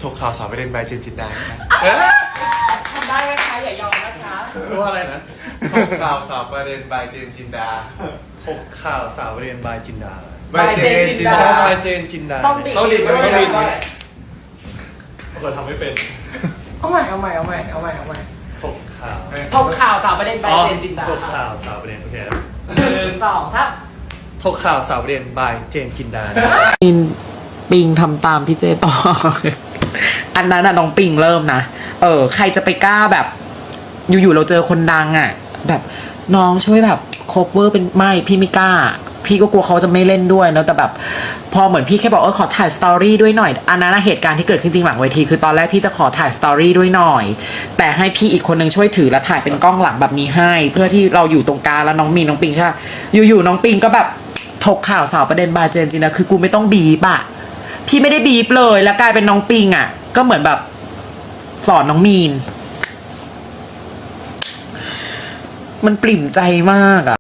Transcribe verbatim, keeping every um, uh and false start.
กข่าวสาวประเด็นใบเจนจินดาครับทำได้ไหมคะอย่ายอมนะคะรู้อะไรนะถกข่าวสาวประเด็นใบเจนจินดาถกข่าวสาวเรียนบายจินดาใบเจนจินอ๋ดาอบายเจนจินดาต้องดิต้องดิบด้วยต้องดิบด้วยเราทำไม่เป็นเอาใหม่เอาใหม่เอาใหม่เอาใหม่เอาใหม่ถกข่าวทบข่าวสาวประเด็นใบเจนจินดาถกข่าวสาวเรียนโอเคครับหนึ่งสองสามถกข่าวสาวเรียนบายเจนจินดาปิงปิงทำตามพี่เจต่อ อันนั้นน่ะน้องปิงเริ่มนะ เออ ใครจะไปกล้าแบบ อยู่ๆเราเจอคนดังอ่ะ แบบน้องช่วยแบบโคเวอร์เป็นไม่พี่ไม่กล้า พี่ก็กลัวเขาจะไม่เล่นด้วยเนอะแต่แบบ พอเหมือนพี่แค่บอกเออขอถ่ายสตอรี่ด้วยหน่อย อันนั้นนะเหตุการณ์ที่เกิดขึ้นจริงหลังเวทีคือตอนแรกพี่จะขอถ่ายสตอรี่ด้วยหน่อย แต่ให้พี่อีกคนนึงช่วยถือและถ่ายเป็นกล้องหลังแบบนี้ให้ เพื่อที่เราอยู่ตรงกลางแล้วน้องมีนน้องปิงใช่ปะอยู่ๆน้องปิงก็แบบถกข่าวสาวประเด็นบายเจนจริงนะคือกูไม่ต้องบีบอะพี่ไม่ได้บีบเลยแล้วกลายเป็นน้องปิงอะก็เหมือนแบบสอนน้องมีน มันปริ่มใจมากอะ